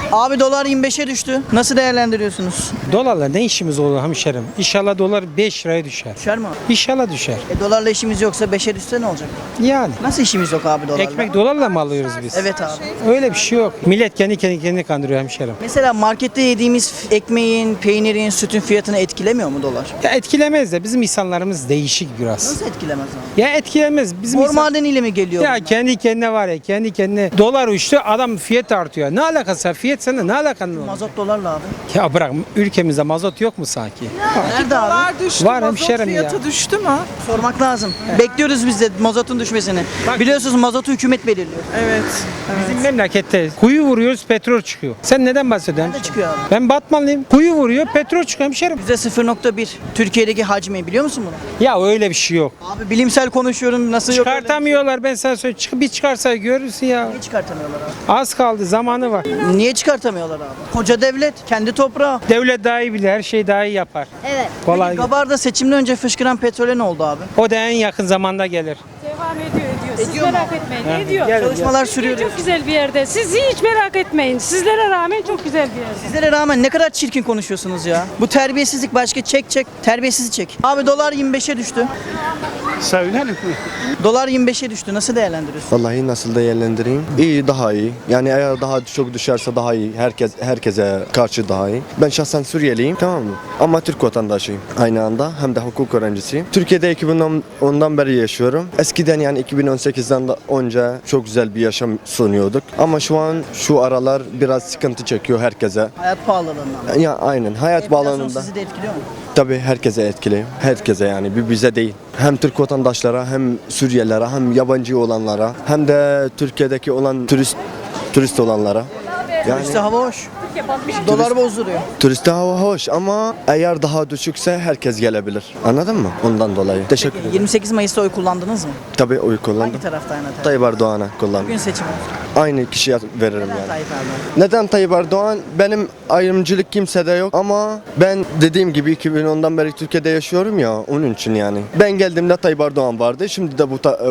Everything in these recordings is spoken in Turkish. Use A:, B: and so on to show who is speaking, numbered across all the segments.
A: Abi dolar 25'e düştü. Nasıl değerlendiriyorsunuz?
B: Dolarla ne işimiz olur hemşerim? İnşallah dolar 5 liraya düşer.
A: Düşer mi abi?
B: İnşallah düşer.
A: Dolarla işimiz yoksa 5'e düşse ne olacak?
B: Yani.
A: Nasıl işimiz yok abi dolarla?
B: Ekmek dolarla mı alıyoruz biz?
A: Evet abi.
B: Öyle bir şey yok. Millet kendini kandırıyor hemşerim.
A: Mesela markette yediğimiz ekmeğin, peynirin, sütün fiyatını etkilemiyor mu dolar?
B: Ya etkilemez de bizim insanlarımız değişik biraz.
A: Nasıl etkilemez abi?
B: Ya etkilemez. Bizim
A: Bor
B: insan...
A: madeniyle mi geliyor
B: Ya
A: bunlar?
B: kendi kendine var ya kendi kendine dolar uçtu adam fiyat artıyor. Ne alakası var? Fiyat sende ne alakan var?
A: Mazot dolarla abi.
B: Ya bırak ülkemizde mazot yok mu sanki?
A: Nerede abi?
C: Dolar düştü,
B: Var
C: mazot
B: hemşerim
C: fiyatı
B: ya.
C: düştü mü?
A: Sormak lazım. Bekliyoruz biz de mazotun düşmesini. Biliyorsunuz mazotu hükümet belirliyor.
C: Evet.
B: Bizim memlekette kuyu vuruyoruz petrol çıkıyor. Sen neden bahsediyorsun?
A: Nerede çıkıyor abi?
B: Ben Batmanlıyım. Kuyu vuruyor petrol çıkıyor hemşerim.
A: %0.1 Türkiye'deki hacmi biliyor musun bunu?
B: Ya öyle bir şey yok.
A: Abi bilimsel konuşuyorum nasıl yok öyle bir şey?
B: Çıkartamıyorlar ben sana söyleyeyim. Bir çıkarsa görürsün ya.
A: Niye çıkartamıyorlar abi?
B: Az kaldı zamanı var.
A: Niye çıkartamıyorlar abi? Koca devlet, kendi toprağı.
B: Devlet daha iyi bilir her şeyi daha iyi yapar.
A: Evet.
B: Kolay.
A: Peki Gabar'da seçimden önce fışkıran petrole ne oldu abi?
B: O da en yakın zamanda gelir.
D: Devam ediyor. Siz
A: Ediyor mu?
D: merak etmeyin. Ediyor.
B: Gel,
A: Çalışmalar sürüyor.
D: Çok güzel bir yerde. Siz hiç merak etmeyin. Sizlere rağmen çok güzel bir yerde.
A: Sizlere rağmen ne kadar çirkin konuşuyorsunuz ya. Bu terbiyesizlik başka çek. Terbiyesiz çek. Abi dolar 25'e düştü.
E: Söylerim.
A: Dolar 25'e düştü. Nasıl değerlendiriyorsun?
F: Vallahi nasıl değerlendireyim? İyi, daha iyi. Yani eğer daha çok düşerse daha iyi. Herkese karşı daha iyi. Ben şahsen Suriyeliyim, tamam mı? Ama Türk vatandaşıyım. Aynı anda hem de hukuk öğrencisiyim. Türkiye'de 2010'dan beri yaşıyorum. Eskiden yani 2018'den de önce çok güzel bir yaşam sunuyorduk. Ama şu aralar biraz sıkıntı çekiyor herkese.
A: Hayat pahalılığından.
F: Ya aynen hayat
A: Enflasyon
F: bağlamında.
A: sizi de etkiliyor mu?
F: Tabii herkese etkili. Herkese yani bize değil. Hem Türk vatandaşlara hem Suriyelilere hem yabancı olanlara hem de Türkiye'deki olan turist olanlara. Yani
A: İşte hava hoş. Dolar bozduruyor.
F: turiste hava hoş ama eğer daha düşükse herkes gelebilir. Anladın mı? Ondan dolayı. Teşekkür ederim.
A: 28 Mayıs'ta oy kullandınız mı?
F: Tabii oy kullandım.
A: Hangi tarafta aynı taraf?
F: Tayyip Erdoğan'a kullandım.
A: Bugün seçim oldu.
F: Aynı kişiye veririm
A: Neden
F: yani.
A: Tayyip Erdoğan?
F: Neden Tayyip Erdoğan? Benim ayrımcılık kimsede yok ama ben dediğim gibi 2010'dan beri Türkiye'de yaşıyorum ya onun için yani. Ben geldiğimde Tayyip Erdoğan vardı. Şimdi de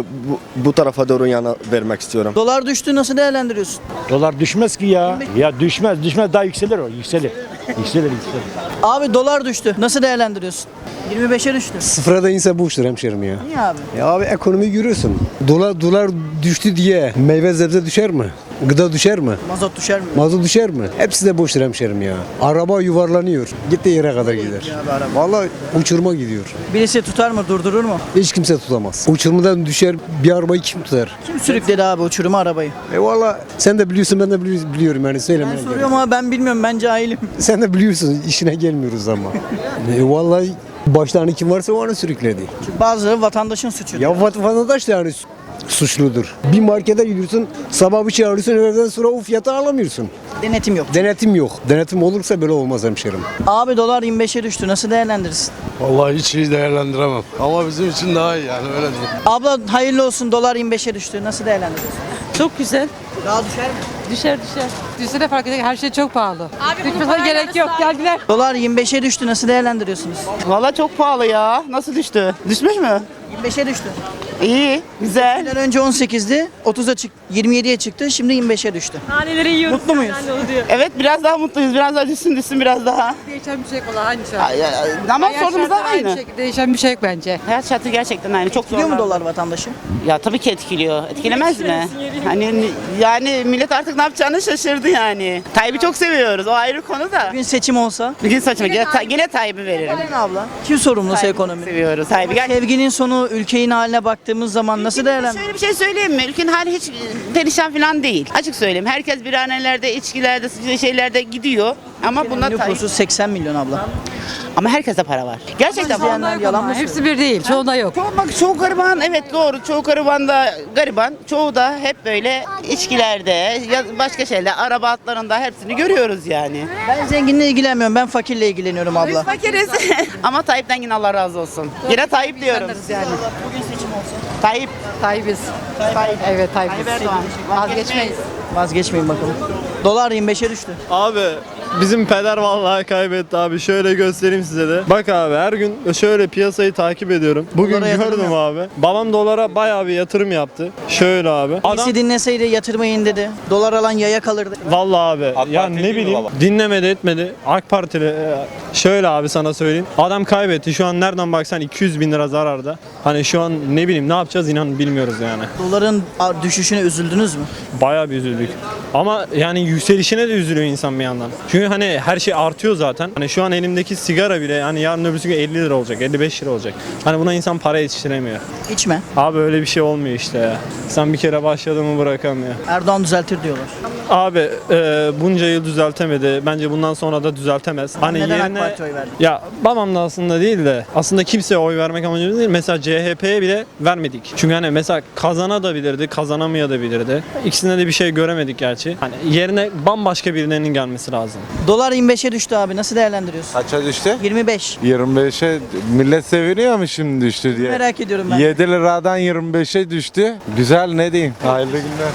F: bu tarafa doğru yana vermek istiyorum.
A: Dolar düştü nasıl değerlendiriyorsun?
E: Dolar düşmez ki ya. Ya düşmez daha yükselir o. Yükselir. Yükselir.
A: Abi dolar düştü. Nasıl değerlendiriyorsun? 25'e düştü.
G: Sıfıra da inse boştur hemşerim ya.
A: Niye abi?
G: Ya abi ekonomi görüyorsun. Dolar düştü diye meyve sebze düşer mi? Gıda düşer mi?
A: Mazot düşer mi?
G: Mazot düşer mi? Hepsi de boştur hemşerim ya. Araba yuvarlanıyor. Gittiği yere kadar gider.
A: Abi araba.
G: Vallahi uçurma gidiyor.
A: Birisi tutar mı durdurur mu?
G: Hiç kimse tutamaz. Uçurmadan düşer bir arabayı kim tutar?
A: Kim sürükledi abi uçuruma arabayı?
G: Vallahi sen de biliyorsun ben de biliyorum yani söylemeye
A: Ben
G: gerek
A: soruyorum ama ben bilmiyorum ben cahilim.
G: yok. Sen de biliyorsun işine gelmiyoruz ama. Vallahi başlarını kim varsa o onu sürükledi.
A: Çünkü bazıları vatandaşın suçu.
G: Ya vatandaş da yani suçludur. Bir markete gidiyorsun, sabah bir şey alıyorsun, öğleden sonra o fiyatı alamıyorsun.
A: Denetim yok.
G: Denetim yok. Denetim olursa böyle olmaz hemşerim.
A: Abi dolar 25'e düştü. Nasıl değerlendirirsin?
H: Vallahi hiç iyi değerlendiremem. Ama bizim için daha iyi yani öyle diyeyim.
A: Abla hayırlı olsun dolar 25'e düştü. Nasıl değerlendiriyorsun?
D: Çok güzel.
A: Daha düşer mi?
D: Düşer. Düşse de fark edecek. Her şey çok pahalı. Düşmesine gerek yok. Geldiler.
A: Dolar 25'e düştü. Nasıl değerlendiriyorsunuz?
I: Valla çok pahalı ya. Nasıl düştü? Düşmüş mü?
A: 25'e düştü.
I: İyi, güzel.
A: Seçimden önce 18'di. 30'a çıktı. 27'ye çıktı. Şimdi 25'e düştü.
D: Haneleri yiyoruz.
A: Mutlu muyuz?
I: Evet biraz daha mutluyuz. Biraz daha düşsün biraz daha.
D: Değişen bir şey yok. Aynı şey.
I: Ama sorunumuz da aynı.
D: Değişen bir şey yok bence.
I: Hayat şartı gerçekten aynı. Çok
A: Biliyor mu
I: zorlandı.
A: dolar vatandaşı?
I: Ya tabii ki etkiliyor. Etkilemez mi? Hani yani millet artık ne yapacağını şaşırdı yani. Tayyip'i çok seviyoruz. O ayrı konu da.
A: Bugün seçim olsa.
I: Bugün saçma. Yine Tayyip'i veririm.
A: Neden abla? Kim sorumlusu
I: Tayyip'i
A: ekonomi?
I: seviyoruz. Tayyip'i gerçekten.
A: Sevginin sonu ülkenin haline baktığımız zaman nasıl değerlendiriyorsun?
I: Şöyle bir şey söyleyeyim mi? Ülkenin hali hiç perişan falan değil. Açık söyleyeyim. Herkes birhanelerde, içkilerde, şeylerde gidiyor. Ama bunlar
A: Nüfusu 80 milyon abla.
I: Ama herkeste para var. Gerçekten var.
A: İzleyenler yalan mı söylüyor?
D: Hepsi bir değil. Çoğunda yok.
I: Çoğu gariban, evet doğru. Çoğu gariban da gariban. Çoğu da hep böyle içkilerde, ya başka şeyler, araba altlarında hepsini görüyoruz yani.
A: Ben zenginle ilgilenmiyorum. Ben fakirle ilgileniyorum abla.
I: Fakiriz. Ama Tayyip'ten yine Allah razı olsun. Yine Tayyip diyorum.
D: Yani.
A: Bugün seçim olsa.
I: Tayyip.
D: Tayyibiz. Evet Tayyibiz.
I: Tayyip Erdoğan.
D: Vazgeçmeyiz.
A: Vazgeçmeyin bakalım. Dolar 25'e düştü.
C: Abi bizim peder vallahi kaybetti abi. Şöyle göstereyim size de. Bak abi her gün şöyle piyasayı takip ediyorum. Bugün
A: Dolara yatırım
C: gördüm abi. Babam dolara bayağı bir yatırım yaptı. Şöyle abi.
A: Birisi dinleseydi yatırmayın dedi. Dolar alan yaya kalırdı.
C: Vallahi abi ya ne bileyim dinlemedi etmedi. AK Partili şöyle abi sana söyleyeyim. Adam kaybetti. Şu an nereden baksan 200 bin lira zararda. Hani şu an ne bileyim ne yapacağız inan bilmiyoruz yani.
A: Doların düşüşüne üzüldünüz mü?
C: Bayağı bir üzüldük. Ama yani yükselişine de üzülüyor insan bir yandan. Çünkü hani her şey artıyor zaten. Hani şu an elimdeki sigara bile hani yarın öbürsü gün 50 lira olacak, 55 lira olacak. Hani buna insan para yetiştiremiyor.
A: İçme.
C: Abi öyle bir şey olmuyor işte ya. Sen bir kere başladın mı bırakamıyor.
A: Erdoğan düzeltir diyorlar.
C: Abi bunca yıl düzeltemedi. Bence bundan sonra da düzeltemez. Hani
A: Neden AK
C: yerine
A: Parti'ye oy verdin?
C: ya babam da aslında değil de aslında kimseye oy vermek amacımız değil. Mesela CHP'ye bile vermedik. Çünkü hani mesela kazanabilirdi, kazanamayabilirdi. İkisinde de bir şey göremedik gerçi. Hani yerine bambaşka birilerinin gelmesi lazım.
A: Dolar 25'e düştü abi. Nasıl değerlendiriyorsun?
J: Kaça düştü?
A: 25.
J: 25'e millet seviniyor mu şimdi düştü diye?
A: Merak ediyorum ben.
J: 7 liradan 25'e düştü. Güzel ne diyeyim? Hayırlı günler.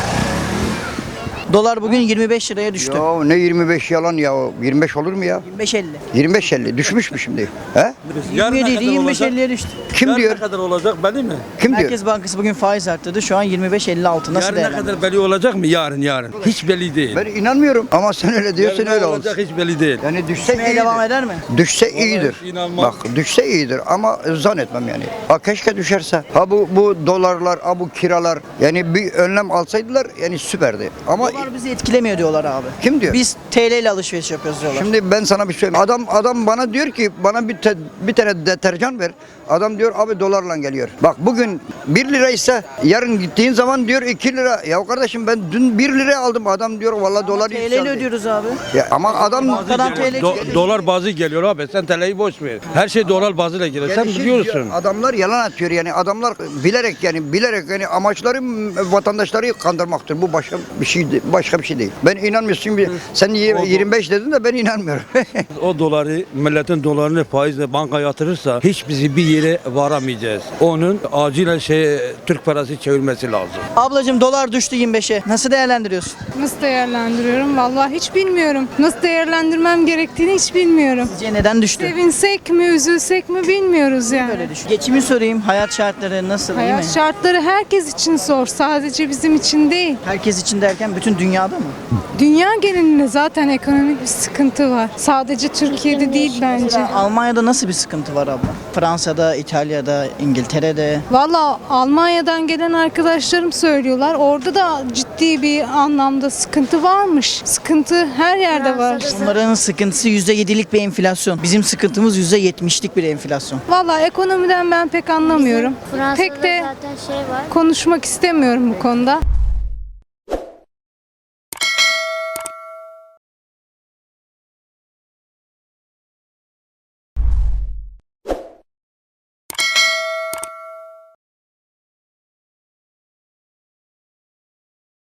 A: Dolar bugün 25 liraya düştü.
G: Ya ne 25 yalan ya, 25 olur mu ya?
A: 25.50.
G: 25-50 düşmüş mü şimdi? He?
A: 27 idi 25.50'ye düştü.
G: Kim diyor?
H: kadar olacak belli mi?
G: Kim diyor?
A: Merkez Bankası bugün faiz arttırdı. Şu an 25.56. Nasıl değerlendiriyorsun?
H: belli olacak mı? Yarın. Hiç belli değil.
G: Ben inanmıyorum ama sen öyle diyorsun öyle olsun.
H: hiç belli değil.
G: Yani düşse
A: Düşmeye devam
G: iyidir.
A: eder mi?
G: Düşse iyidir.
H: inanmam.
G: Bak düşse iyidir ama zannetmem yani. Ha keşke düşerse. Ha bu dolarlar, ha bu kiralar yani bir önlem alsaydılar yani süperdi. Ama
A: Dolar bizi etkilemiyor diyorlar abi.
G: kim diyor?
A: Biz TL ile alışveriş yapıyoruz diyorlar.
G: Şimdi ben sana bir şey söyleyeyim. Adam bana diyor ki bana bir tane deterjan ver. Adam diyor abi dolarla geliyor. Bak bugün 1 lira ise yarın gittiğin zaman diyor 2 lira. Ya kardeşim ben dün 1 liraya aldım. Adam diyor vallahi dolar
A: TL ile
G: yükseldi.
A: ödüyoruz abi.
G: Ya ama adam
A: Bankadan TL
H: Dolar bazı geliyor abi. Sen TL'yi boş ver. Her şey dolar bazıyla geliyor. Sen
G: Gelişi
H: biliyorsun.
G: diyor, adamlar yalan atıyor yani adamlar bilerek yani amaçları vatandaşları kandırmaktır. Bu başka bir şey değil. Ben inanmıyorsun sen 25 dedin de ben inanmıyorum.
H: O doları, milletin dolarını faizle banka yatırırsa hiç bizi bir yere varamayacağız. Onun acilen Türk parası çevirmesi lazım.
A: Ablacığım dolar düştü 25'e. Nasıl değerlendiriyorsun?
K: Nasıl değerlendiriyorum? Vallahi hiç bilmiyorum. Nasıl değerlendirmem gerektiğini hiç bilmiyorum.
A: Sizce neden düştü?
K: Sevinsek mi, üzülsek mi bilmiyoruz yani.
A: Böyle düştü. Geçimi sorayım. Hayat şartları nasıl? iyi mi?
K: Hayat şartları herkes için zor. Sadece bizim için değil.
A: Herkes için derken bütün dünyada mı?
K: Dünya genelinde zaten ekonomik bir sıkıntı var. Sadece Türkiye'de değil bence.
A: Almanya'da nasıl bir sıkıntı var abla? Fransa'da, İtalya'da, İngiltere'de.
K: Valla Almanya'dan gelen arkadaşlarım söylüyorlar. Orada da ciddi bir anlamda sıkıntı varmış. Sıkıntı her yerde var.
A: Onların sıkıntısı %7'lik bir enflasyon. Bizim sıkıntımız %70'lik bir enflasyon.
K: Valla ekonomiden ben pek anlamıyorum. Pek de
L: zaten şey var.
K: konuşmak istemiyorum bu konuda.